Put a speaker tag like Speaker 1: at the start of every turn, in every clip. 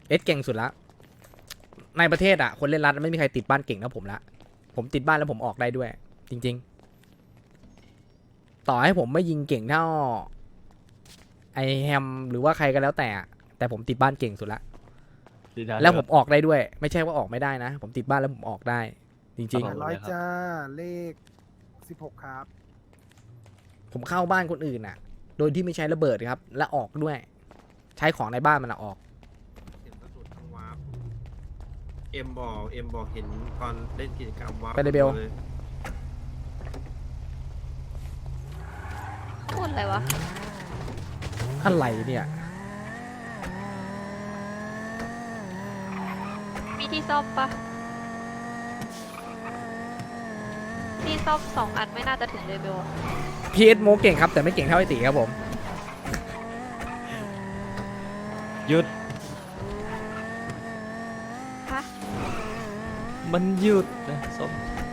Speaker 1: เอสเก่งสุดละในประเทศอ่ะคนเล่นรัดไม่มีใครติดบ้านเก่งเท่าผมละผมติดบ้านแล้วผมออกได้ด้วย จริงๆต่อให้ผมไม่ยิงเก่งเท่าไอแฮมหรือว่าใครก็แล้วแต่ผมติดบ้านเก่งสุดละแล้วผมออกได้ด้วย ไม่ใช่ว่าออกไม่ได้นะ ผมติดบ้านแล้วผมออกได้ จริง
Speaker 2: 100จ้าเลข16ครับ
Speaker 1: ๆผมเข้าบ้านคนอื่นอ่ะ โดยที่ไม่ใช้ระเบิดครับ และออกด้วย ใช้ของในบ้านมันออก
Speaker 3: เห็นกระสุนทางวาร์ปเอ็มบอกเห็นตอนเล่นกิจกรรมวาร์ป
Speaker 1: ไปเลยเบล
Speaker 4: พูดอะไรวะ
Speaker 1: อะไรเนี่ย
Speaker 4: มีที่ซ่อมปะที่ซ่อม2 อันไม่น่าจะถึงเลยเบลอะ
Speaker 1: พีเอสโมเก่งครับแต่ไม่เก่งเท่าไอตีครับผม
Speaker 5: หยุด
Speaker 4: ฮะ
Speaker 5: มันหยุดนะส้ม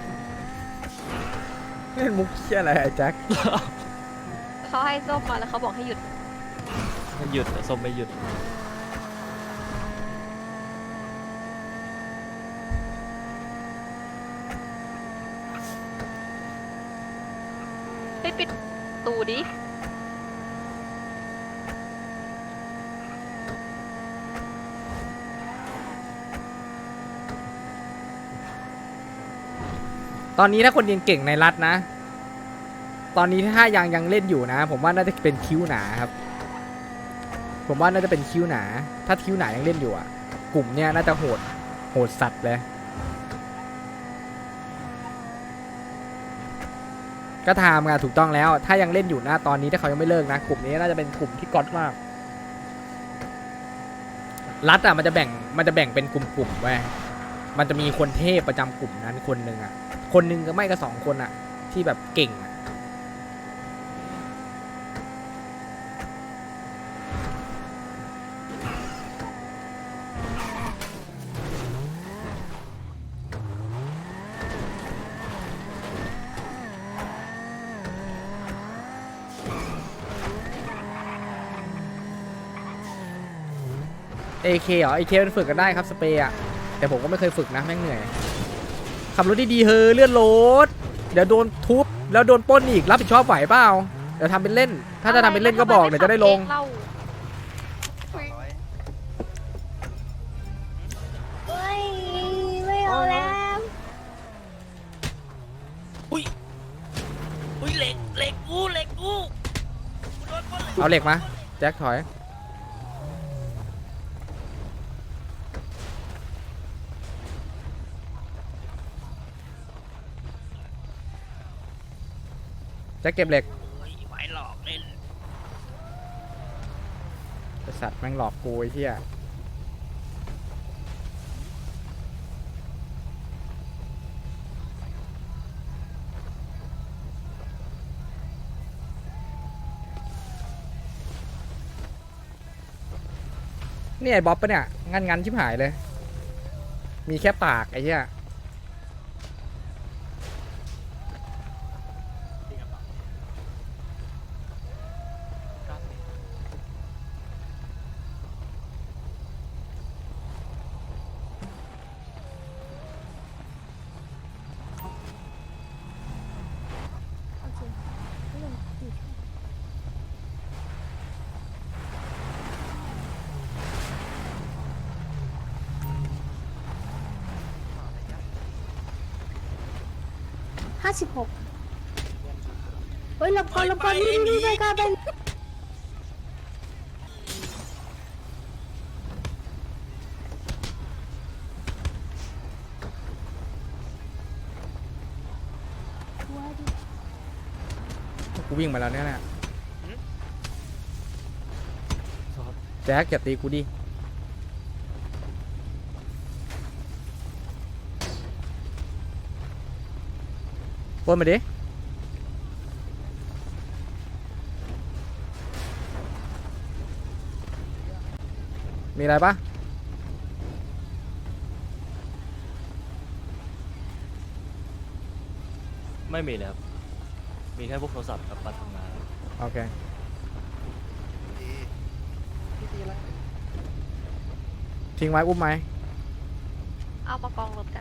Speaker 1: เล่นมุกเชี่ยอะไรไอ้แจ็ค
Speaker 4: เขาให้ส้มมาแล้วเขาบอกให้หยุด
Speaker 5: มันหยุดแต่ส้มไม่หยุด
Speaker 4: ไปปิดตูดิ
Speaker 1: ตอนนี้ถ้าคนยังเก่งในรัฐนะ ตอนนี้ถ้ายังเล่นอยู่นะ ผมว่าน่าจะเป็นคิ้วหนาครับ ผมว่าน่าจะเป็นคิ้วหนา ถ้าคิ้วหนายังเล่นอยู่อ่ะ กลุ่มเนี้ยน่าจะโหดสัตว์เลย ก็ทำงานถูกต้องแล้ว ถ้ายังเล่นอยู่นะตอนนี้ถ้าเขายังไม่เลิกนะ กลุ่มนี้น่าจะเป็นกลุ่มที่ก๊อตมาก รัฐอ่ะมันจะแบ่งเป็นกลุ่มๆไว้มันจะมีคนเทพประจำกลุ่มนั้นคนหนึ่งอ่ะ คนหนึ่งก็ไม่ก็2 คนอ่ะ ที่แบบเก่งอะ AK เหรอ AK มันฝึกกันได้ครับสเปรย์อะแต่ผมก็ไม่เคยฝึกนะแม่งเหนื่อยขับรถดีๆเฮ้ยเลื่อนรถเดี๋ยวโดนทุบแล้วโดนปล้นอีกรับผิดชอบไหวเปล่าเดี๋ยวทำเป็นเล่น ถ้าจะทำเป็นเล่นก็บอกเดี๋ยวจะได้ลง
Speaker 4: เล่า
Speaker 6: เฮ้ยไม่เอาแล้ว
Speaker 7: อุ้ยเหล็กกูโดนปล้น
Speaker 1: เอาเหล็กมาแจ็คถอยแจ็คเก็บเหล็ก
Speaker 7: ไว้หลอกเล่น
Speaker 1: ไอ้สัตว์แม่งหลอกกูไอ้เหี้ยนี่ไอ้บ๊อบปะเนี่ยงันชิบหายเลย มีแค่ปากไอ้เหี้ย
Speaker 6: 56เฮ้ยหลบก่อนนี่ไปกันเป็น
Speaker 1: กูวิ่งมาแล้วเนี่ยแจ็คอย่าตีกูดิปล้นมาดิมีอะไรปะ
Speaker 5: ไม่มีเลยครับ มีแค่พวกโทรศัพท์กับบัตรทำงาน
Speaker 1: โอเคทิ้งไว้อุ้มไหม
Speaker 4: เอามากองรวมกัน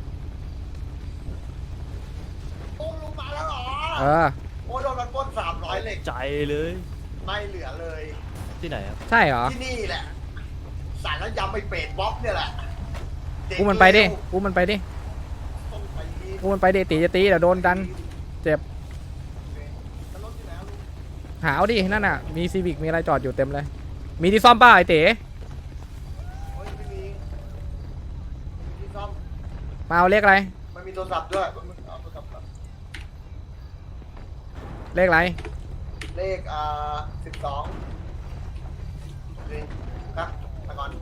Speaker 8: ปุ้งลุงมาแล้วเหรอ
Speaker 1: เออ
Speaker 8: โอ้โดนมันปล้น300เหล็ก
Speaker 5: ใจเลย
Speaker 8: ไม่เหลือเลย
Speaker 5: ที่ไหนครับ
Speaker 1: ใช่เหรอ
Speaker 8: ที่นี่แหละ สารแล้วยำไปเป็ดบ๊อบเนี่ยแหละเด็ก
Speaker 1: อุ้มมันไปดิอุ้มมันไปดิ
Speaker 8: ต้องไปดี
Speaker 1: อุ้มมันไปดิตีจะตีเดี๋ยวโดนกันเจ็บ
Speaker 8: แล้วรถที่ไหนอะลุง
Speaker 1: หาเอาดินั่นน่ะมีซีวิกมีอะไรจอดอยู่เต็มเลย มีที่ซ่อมป้าไอเต๋
Speaker 8: โอ้ยไม่มีที่ซ่อม
Speaker 1: มาเอาเลขอะไร
Speaker 8: มันมีโทรศัพท์ด้วยมันเอาโทรศัพท์ก่อน
Speaker 1: เลขอะไร
Speaker 8: เลข12นี่ครับมาก่อน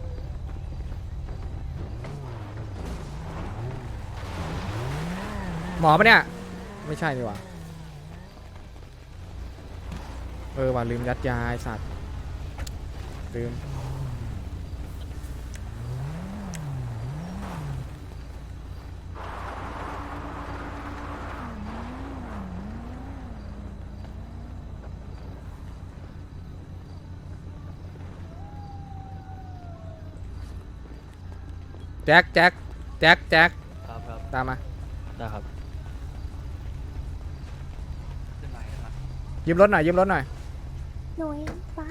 Speaker 1: หมอปะเนี่ยไม่ใช่ดีกว่าว่าลืมยัดยาไอ้สัตว์ลืมแจ็คแจ็คแจ็คแจ็ค
Speaker 5: ครับครับ
Speaker 1: ตามมา
Speaker 5: ได้ครับ
Speaker 1: ยืมรถหน่อยยืมรถหน่อย
Speaker 6: หนูเองฟ้า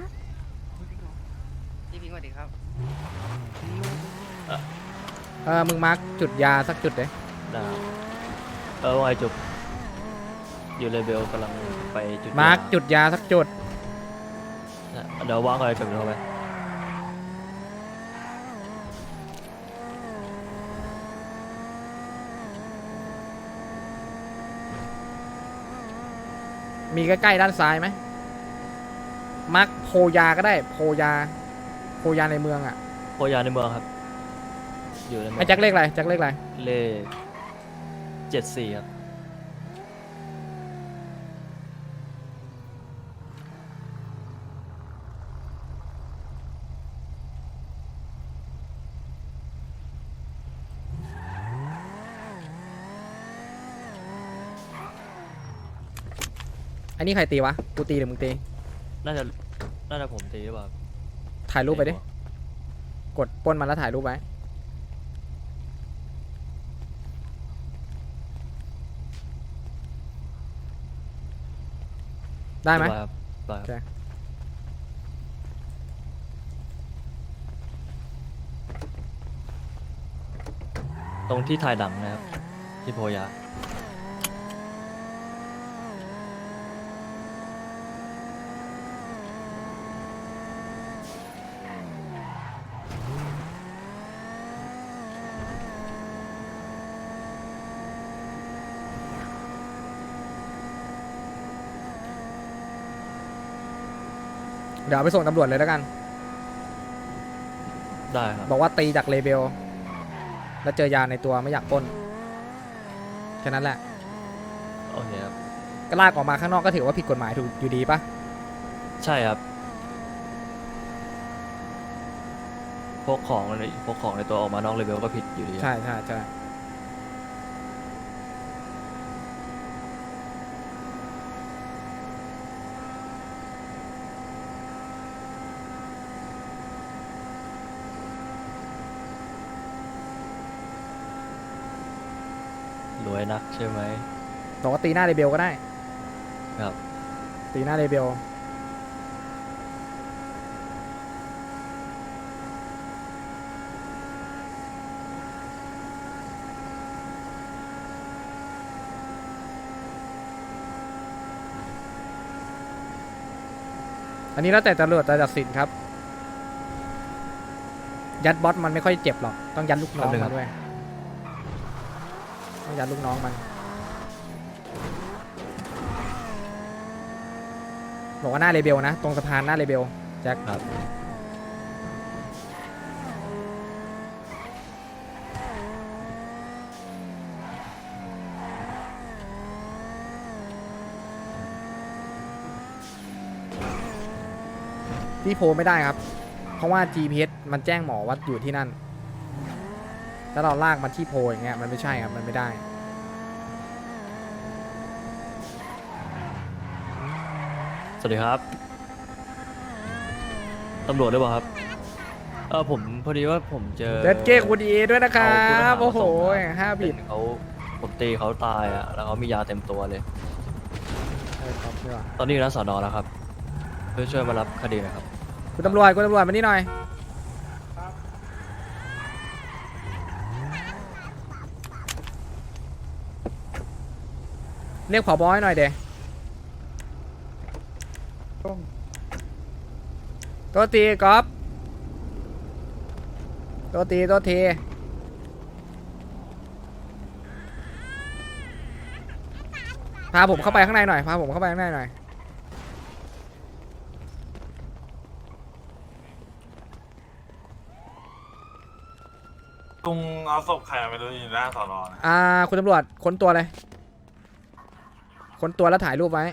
Speaker 7: พี่พิงค์สวัสดีครับ
Speaker 1: มึงมาร์กจุดยาสักจุดเลย
Speaker 5: ได้ครับว่าไงจุบอยู่เลเบลกำลังไปจุด
Speaker 1: มาร์กจุดยาสักจุด
Speaker 5: เดี๋ยวว่างอะไรจุบเดี๋ยวเข้าไป
Speaker 1: มีใกล้ๆด้านซ้ายไหมมาร์กโพยาก็ได้โพยาในเมืองอ่ะ
Speaker 5: โคยาในเมืองครับ อยู่ในเมือง
Speaker 1: ไอ้แจ็คเลขอะไรแจ็คเลขอะไร
Speaker 5: เลข74ครับ
Speaker 1: อันนี้ใครตีวะกูตีหรือมึงตี
Speaker 5: น่าจะผมตีหรือเปล่าครับ
Speaker 1: ถ่ายรูปไปดิกดปล้นมาแล้วถ่ายรูปไว้ได้ไหม
Speaker 5: ครับได้ค
Speaker 1: โอเค
Speaker 5: รับตรงที่ถ่ายหนังนะครับ ที่โพยา
Speaker 1: เดี๋ยวเอาไปส่งตำรวจเลยแล้วกัน
Speaker 5: ได้ครับ
Speaker 1: บอกว่าตีจากเลเบลแล้วเจอยาในตัวไม่อยากปล้นแค่นั้นแหละ
Speaker 5: โอเคครับ
Speaker 1: ก็ลากออกมาข้างนอกก็ถือว่าผิดกฎหมายถูกอยู่ดีปะ
Speaker 5: ใช่ครับพกของในตัวออกมานอกเลเวลก็ผิดอยู่ดีครับ
Speaker 1: ใช่ใช่ใช่
Speaker 5: รวยนักใช่ไหม
Speaker 1: บอกว่าตีหน้าเลเบลก็ได้
Speaker 5: ครับ
Speaker 1: ตีหน้าเลเบลอันนี้แล้วแต่ตำรวจจะตัดสินครับ ยัดบอสมันไม่ค่อยเจ็บหรอกต้องยัดลูกน้องมาด้วยต้องยัดลูกน้องมันบอกว่าหน้าเลเบลนะตรงสะพานหน้าเลเบลแจ็ค
Speaker 5: ครับ
Speaker 1: ที่โพลไม่ได้ครับ เพราะว่า GPS มันแจ้งหมอว่าอยู่ที่นั่นถ้าเราลากมันที่โพลอย่างเงี้ยมันไม่ใช่ครับมันไม่ได้
Speaker 5: สวัสดีครับ ตำรวจหรือเปล่าครับผมพอดีว่าผมเจอ
Speaker 1: เด็ดเก้คุณอีด้วยนะครั
Speaker 5: เอา
Speaker 1: บ
Speaker 5: ผู้
Speaker 1: โอ้โห
Speaker 5: ต้องหามาส่ง
Speaker 1: 5 บิต
Speaker 5: เขาผมตีเขาตายอ่ะแล้วเขามียาเต็มตัวเลย ตอนนี้อยู่หน้าสอนอแล้วครับช่วยมารับคดีหน่อยครับ
Speaker 1: คุณตำรวจมานี่หน่อยเรียกผบให้หน่อยเดตัวตีก๊อฟตัวทีพาผมเข้าไปข้างในหน่อย
Speaker 9: ลุงเอาศพใครมาไม่รู้อยู่หน้าสอนอนะ
Speaker 1: คุณตำรวจค้นตัวเลยค้นตัวแล้วถ่ายรูปไว้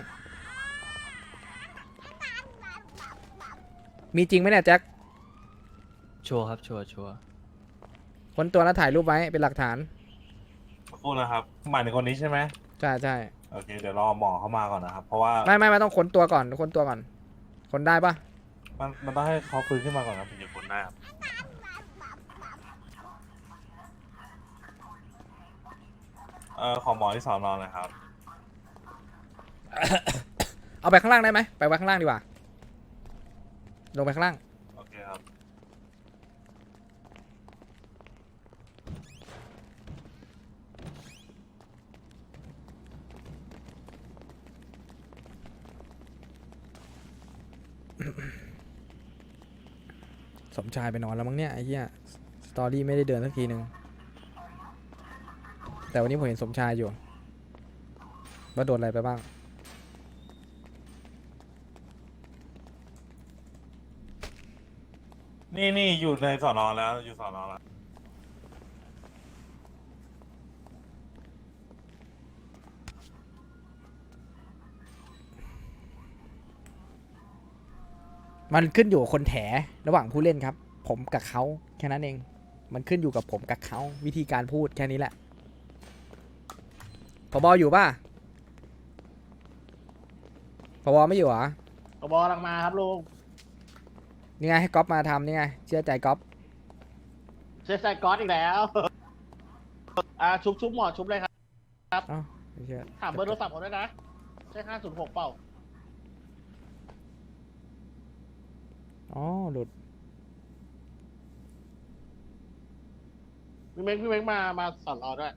Speaker 1: มีจริงไหมเนี่ยแจ็ค
Speaker 5: ชัวร์ครับชัวร์
Speaker 1: ค้นตัวแล้วถ่ายรูปไว้เป็นหลักฐาน
Speaker 9: พูดนะครับหมายถึงคนนี้ใช่ไหม
Speaker 1: ใช่
Speaker 9: โอเคเดี๋ยวรอหมอเข้ามาก่อนนะครับ เพราะว่า
Speaker 1: ไม่ต้องค้นตัวก่อนค้นได้ปะ
Speaker 9: มันต้องให้เขาฟื้นขึ้นมาก่อนครับถึงจะค้นได้ครับขอหมอที่สอนอหนะครับ
Speaker 1: เอาไปข้างล่างได้ไหมไปไว้ข้างล่างดีกว่าลงไปข้างล่าง
Speaker 9: โอเคครับ
Speaker 1: สมชายไปนอนแล้วมั้งเนี่ยไอ้เหี้ยสตอรี่ไม่ได้เดินสักทีนึงแต่วันนี้ผมเห็นสมชายอยู่ว่าโดนอะไรไปบ้าง
Speaker 9: นี่อยู่ในสอนอแล้วอยู่สอนอแล้ว
Speaker 1: มันขึ้นอยู่กับคนแถระหว่างผู้เล่นครับ ผมกับเขาแค่นั้นเอง มันขึ้นอยู่กับผมกับเขาวิธีการพูดแค่นี้แหละผบอยู่ป่ะผบไม่อยู่เหรอ
Speaker 7: ผบกำลังมาครับลุง
Speaker 1: นี่ไงให้ก๊อฟมาทำนี่ไงเชื่อใจก๊อฟ
Speaker 7: เซฟไซก๊อตอีกแล้วชุบหมอชุบเลยครับ
Speaker 1: อ้าวไม่เชื่อ
Speaker 7: ถามเบอร์โทรศัพท์ผมด้วยนะใช่506เปล่า
Speaker 1: อ๋อหลุด
Speaker 7: พี่เม้งมาสอนรอด้วย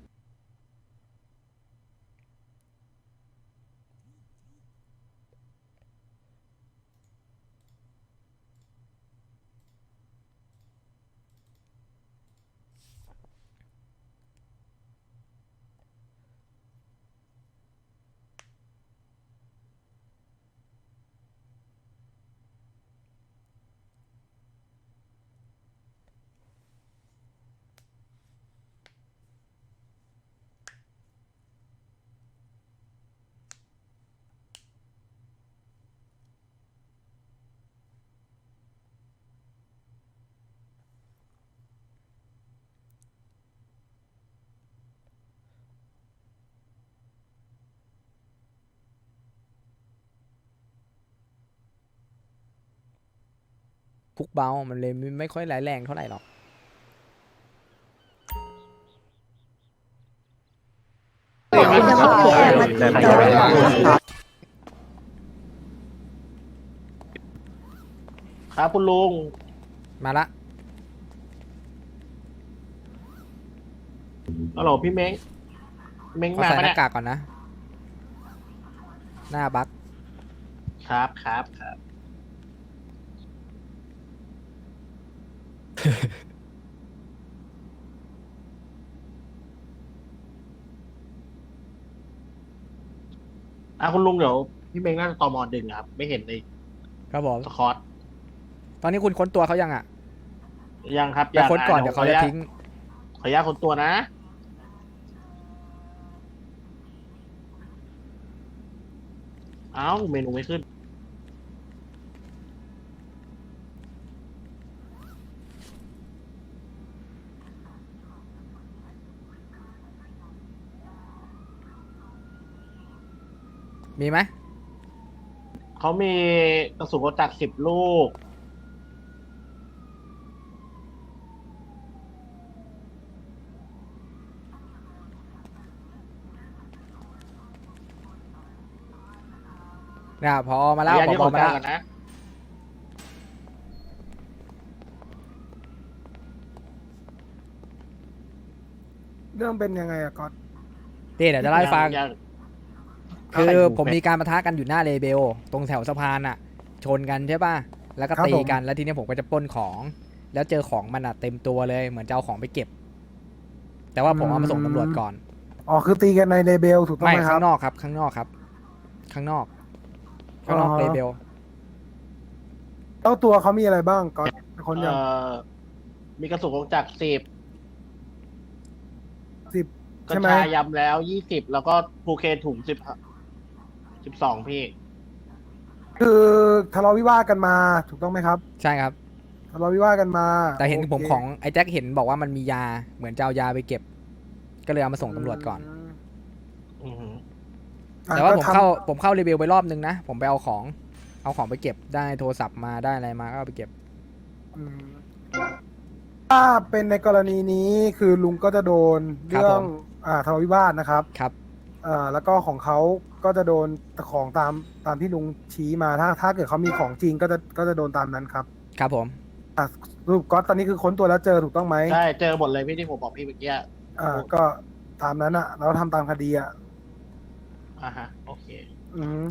Speaker 1: คุกเบามันเลยไม่ค่อยร้ายแรงเท่าไหร่หรอก
Speaker 7: ครับคุณลุง
Speaker 1: มาละ
Speaker 7: ฮัลโหลพี่เม้ง
Speaker 1: ขอ
Speaker 7: มา
Speaker 1: ใส่
Speaker 7: ปะ
Speaker 1: ห
Speaker 7: เนี่
Speaker 1: น้าย กากก่อนนะ หน้าบั๊ก
Speaker 7: ครับคุณลุงเดี๋ยวพี่เม้งน่าจะตอมอดึงครับ ไม่เห็นใน
Speaker 1: ครับผม
Speaker 7: สคอต
Speaker 1: ตอนนี้คุณค้นตัวเขายังอ่ะ
Speaker 7: ยังครับ
Speaker 1: ไปค้นก่อนเดี๋ยวเขาจะทิ้ง
Speaker 7: ขออนุญาตคนตัวนะเอ้าเมนูไม่ขึ้น
Speaker 1: มีไหม
Speaker 7: เขามีกระสุนกระจัด10 ลูก
Speaker 1: นะพอมาแล้วผอมาแล้ว
Speaker 2: เรื่องเป็นยังไงอะก๊อต
Speaker 1: เดี๋ยวจะเล่าให้ฟัง คือผมมีการปะทะกันอยู่หน้าเลเบลตรงแถวสะพานอะชนกันใช่ป่ะ แล้วก็ตีกันแล้วทีนี้ผมก็จะปล้นของ แล้วเจอของมันอะเต็มตัวเลยเหมือนจะเอาของไปเก็บ แต่ว่าผมเอามาส่งตำรวจก่อน
Speaker 2: อ๋อคือตีกันในเลเบลถูกต้อง
Speaker 1: ไม่
Speaker 2: ไหมครั
Speaker 1: ข้า
Speaker 2: บ
Speaker 1: งนอกครับ ข้างนอกครับ ข้างนอกเลเบล
Speaker 2: เจ้าตัวเขามีอะไรบ้างก๊อตคนอย่าง
Speaker 10: มีกระสุนจาก10
Speaker 2: 10
Speaker 10: กัญ
Speaker 2: ใช่ไหม
Speaker 10: ชายำแล้ว20แล้วก็โคเคนถุง12พี่
Speaker 2: คือทะเลาะวิวาทกันมาถูกต้องไหมครับ
Speaker 1: ใช่ครับ
Speaker 2: ทะเลาะวิวาทกันมา
Speaker 1: แต่เห็น
Speaker 2: โค
Speaker 1: ผมของไอ้แจ็คเห็นบอกว่ามันมียาเหมือนจะเอายาไปเก็บ ก็เลยเอามาส่งตำรวจก่อน
Speaker 10: อือหือ
Speaker 1: แต่ว่า
Speaker 2: ก็
Speaker 1: ผม
Speaker 2: ทำ
Speaker 1: เข้ารีวิวไปรอบนึงนะ ผมไปเอาของไปเก็บได้โทรศัพท์มาได้อะไรมาก็เอาไปเก็บ
Speaker 2: อืมถ้าเป็นในกรณีนี้คือลุงก็จะโดน
Speaker 1: ครับ
Speaker 2: เรื่อ
Speaker 1: ผ
Speaker 2: ง
Speaker 1: ม
Speaker 2: ทะเลาะวิวาทนะครับ
Speaker 1: ครับ
Speaker 2: แล้วก็ของเขาก็จะโดนของตามที่ลุงชี้มาถ้าเกิดเขามีของจริงก็จะโดนตามนั้นครับ
Speaker 1: ครับผม
Speaker 2: รูปก๊อตตอนนี้คือค้นตัวแล้วเจอถูกต้องไหม
Speaker 10: ใช่เจอหมดเลยพี่ที่ผมบอกพี่เมื่อกี้
Speaker 2: ก็ตามนั้นอะเราทำตามคดีอะ
Speaker 10: ฮะโอเค
Speaker 2: อืม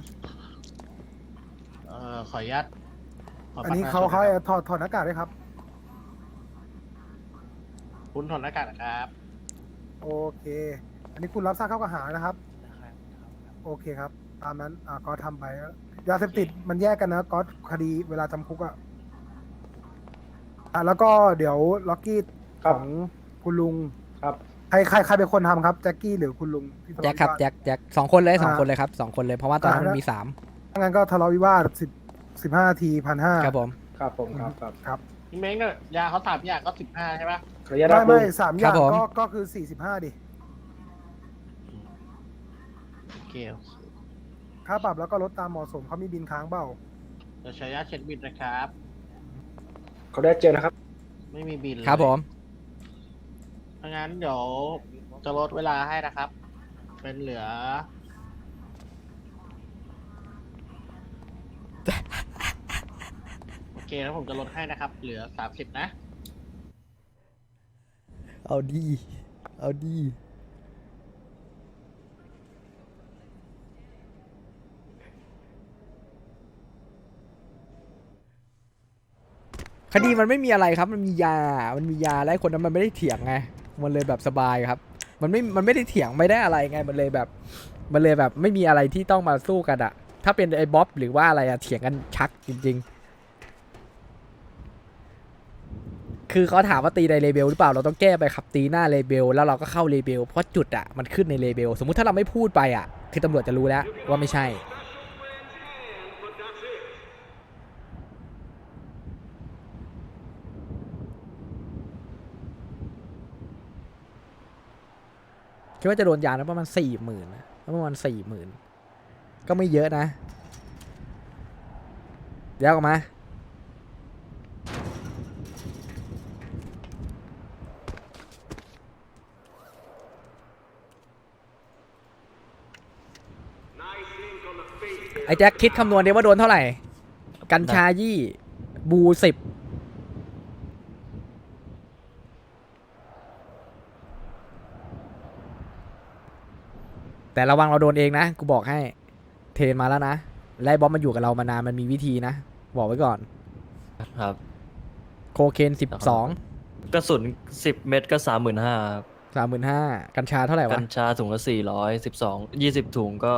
Speaker 10: ขออนุญาตข
Speaker 2: อันนี้
Speaker 10: บัตร
Speaker 2: เขา
Speaker 10: ประชชน
Speaker 2: ถอดหน้ากากด้วยครับ
Speaker 10: คุณถอดหน้ากากนะครับ
Speaker 2: โอเค อันนี้คุณรับทราบข้อกล่าวหานะครับ โอเคครับ ตามนั้นก็ทำไปยาเสพติดมันแยกกันนะก็คดีเวลาจำคุกแล้วก็เดี๋ยวล็อกกี้ของคุณลุง
Speaker 8: ครับ
Speaker 2: ใครเป็นคนทำครับแจ็คกี้หรือคุณลุงที่ทะ
Speaker 1: แจ็
Speaker 2: เลาะ
Speaker 1: คครับ
Speaker 2: วิวาท
Speaker 1: แจ็ค2 คนเลย2 คนเลยครับ2 คนเลยเพราะว่าตอนนั้นมันมี
Speaker 2: ถ้างั้นก็ทะเลาะวิวาท15 นาที1,500
Speaker 1: ครับผม
Speaker 8: ครับผมครับ
Speaker 10: พี่เม้งเนี่ยยาเขา3อย่างก็15ใช่ปะ
Speaker 8: ขออนุญาต
Speaker 2: ไม่3อ
Speaker 1: ครั
Speaker 2: ย่า
Speaker 1: บ
Speaker 2: ง
Speaker 1: ผม
Speaker 2: ก็คือ45ดิ
Speaker 10: โอเค
Speaker 2: ค่าปรับแล้วก็ลดตามเหมาะสมเขามีบินค้างเปล่า
Speaker 10: เดี๋ยวใช้ยาเช็ดบินนะครับ
Speaker 8: เขาได้เจอนะครับ
Speaker 10: ไม่มีบินเลย
Speaker 1: ครับผม
Speaker 10: เพราะงั้นเดี๋ยวจะลดเวลาให้นะครับ เป็นเหลือ โอเคแล้วผมจะลดให้นะครับ เหลือ30นะ
Speaker 1: เอาดีคดีมันไม่มีอะไรครับ มันมียาและไอ้คนนั้นมันไม่ได้เถียงไง มันเลยแบบสบายครับ มันไม่ได้เถียงไม่ได้อะไรไง มันเลยแบบไม่มีอะไรที่ต้องมาสู้กันอะถ้าเป็นไอ้บ๊อบหรือว่าอะไรอะเถียงกันชักจริงๆ คือเขาถามว่าตีในเลเบลหรือเปล่า เราต้องแก้ไปครับตีหน้าเลเบลแล้วเราก็เข้าเลเบลเพราะจุดอะมันขึ้นในเลเบลสมมุติถ้าเราไม่พูดไปอะคือตำรวจจะรู้แล้วว่าไม่ใช่ คิดว่าจะโดนยาแล้วประมาณ40,000นะประมาณ40,000ก็ไม่เยอะนะเดี๋ยวออกมาไอ้แจ็คคิดคำนวณเดียวว่าโดนเท่าไหร่ กัญชา20บู10แต่ระวังเราโดนเองนะ กูบอกให้เทรนมาแล้วนะไล่บ๊อบมันอยู่กับเรามานานมันมีวิธีนะ บอกไว้ก่อน
Speaker 5: ครับ
Speaker 1: โคเคน12
Speaker 5: กระสุน10 เม็ดก็35,000ครับ
Speaker 1: 35,000กัญชาเท่าไหร่
Speaker 5: กั
Speaker 1: วะ
Speaker 5: ญชาถุงละ400 20ถุงก็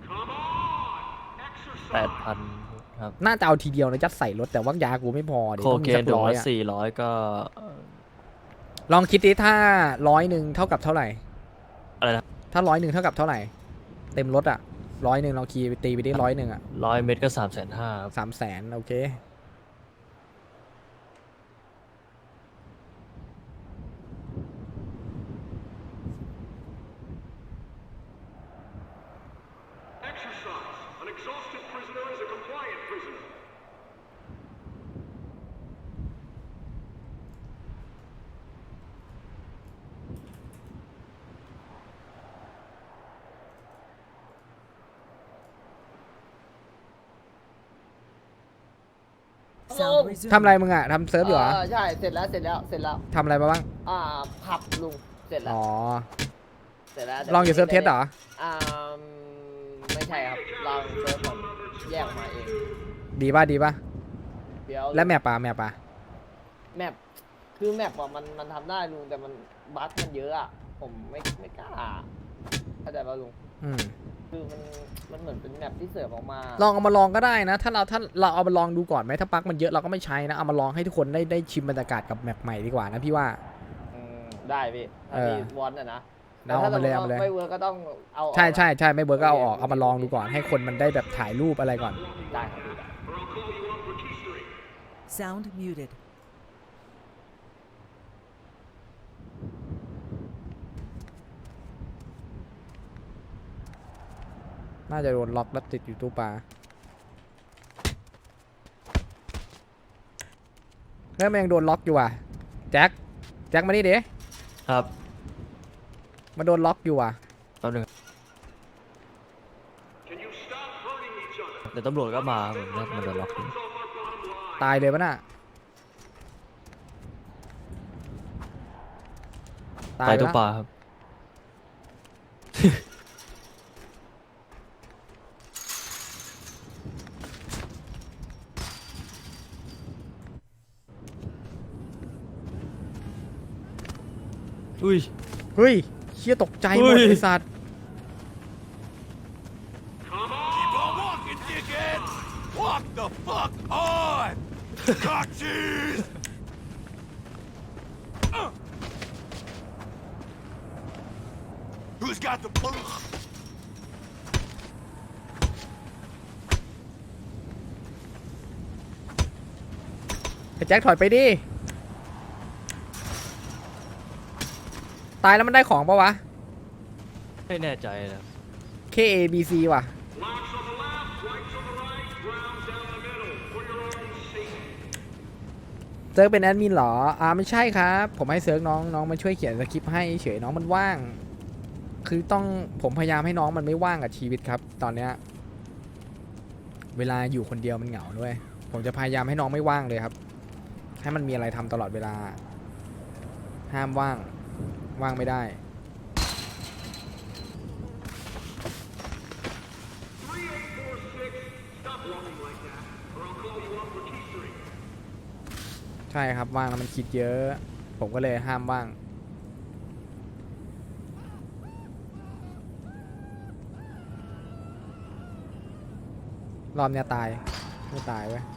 Speaker 5: 8,000ครับ
Speaker 1: น่าจะเอาทีเดียวนะยัดใส่รถแต่ว่ายากูไม่พอเดี๋ยว
Speaker 5: โค
Speaker 1: ต้อง
Speaker 5: เก
Speaker 1: มีสั
Speaker 5: น
Speaker 1: ก
Speaker 5: ถุง
Speaker 1: ร้อย
Speaker 5: ละ
Speaker 1: อะ
Speaker 5: 400ก็
Speaker 1: ลองคิดดิถ้า100เท่ากับเท่าไหร่
Speaker 5: อะไรนะ
Speaker 1: ถ้า100เท่ากับเท่าไหร่ เต็มรถอะ100ลองคีย์ไปตีไปได้100อะ
Speaker 5: 100 เม็ดก็350,000ครับ
Speaker 1: 300,000โอเคทำอะไรมึงอ่ะทำเซิร์ฟอยู่เหรอ
Speaker 10: ใช่เสร็จแล้วเสร็จแล้ว
Speaker 1: ทำอะไรมาบ้าง
Speaker 10: ผับลุงเสร็จแล้ว
Speaker 1: อ๋อ
Speaker 10: เสร็จแล้ว
Speaker 1: ลองอยู่เซิร์ฟเทสเหรอ
Speaker 10: ไม่ใช่ครับลองเซิร์ฟผมแยกออกมาเอง
Speaker 1: ดีป่ะดีป่ะ
Speaker 10: เดี๋ยว
Speaker 1: แล้วแมปป่ะ
Speaker 10: แมปคือแมปอะมันทำได้ลุงแต่มันบั๊กมันเยอะอะผมไม่กล้าเข้าใจป่ะลุง
Speaker 1: อืม
Speaker 10: คือมันเหมือนเป็นแมปที่เสิร์ฟออกมา
Speaker 1: ลองเอามาลองก็ได้นะ ถ้าเราเอามาลองดูก่อนไหมถ้าปลั๊กมันเยอะเราก็ไม่ใช้นะเอามาลองให้ทุกคนได้ชิมบรรยากาศกับแมปใหม่ดีกว่านะพี่ว่า
Speaker 10: ได้พี่ถ้ามีวอนอะนะแต่
Speaker 1: เอา
Speaker 10: ถ้า
Speaker 1: มาเลย
Speaker 10: ส
Speaker 1: เอา
Speaker 10: ม
Speaker 1: มาม เลย
Speaker 10: ติว่าไม่เวิร์กก็ต้องเอาออก
Speaker 1: ใช่ไม่เบิร์กก็เอาออกเอามาลองดูก่อนให้คนมันได้แบบถ่ายรูปอะไรก่อน
Speaker 10: ได้ครับพี่
Speaker 7: Sound muted.
Speaker 1: น่าจะโดนล็อกแล้วติดอยู่ตู้ปลาแล้วมันยังโดนล็อกอยู่อ่ะแจ็คมานี่ดิ
Speaker 5: ครับ
Speaker 1: มาโดนล็อกอยู่อ่ะ
Speaker 5: แป๊บนึงเดี๋ยวตำรวจก็มาผมนะมันโดนล็อกอยู่
Speaker 1: ตายเลยปะน่ะ
Speaker 5: ตายตัว
Speaker 1: แล้ว
Speaker 5: ปลาครับ อุ้ย
Speaker 1: เฮ้ยเชี่ยตกใจหมด
Speaker 5: เฮ้ย
Speaker 1: ไอ้สัตว์
Speaker 9: Keep on walking, dickhead! Walk the fuck on! Cock cheese! Who's got the proof?
Speaker 1: ไอ้แจ็คถอยไปดิ ตายแล้วมันได้ของปะวะ
Speaker 5: ไม่แน่ใจนะ
Speaker 1: K A B C ว่ะ เซิร์ฟเป็นแอดมินเหรอ ไม่ใช่ครับ ผมให้เซิร์ฟน้องมาช่วยเขียนสคริปต์ให้เฉยน้องมันว่าง คือผมพยายามให้น้องมันไม่ว่างกับชีวิตครับ ตอนเนี้ย เวลาอยู่คนเดียวมันเหงาด้วย ผมจะพยายามให้น้องไม่ว่างเลยครับ ให้มันมีอะไรทำตลอดเวลา ห้ามว่างไม่ได้ ใช่ครับว่างแล้วมันคิดเยอะ ผมก็เลยห้ามว่าง รอบเนี้ยตาย ไม่ตายเว้ย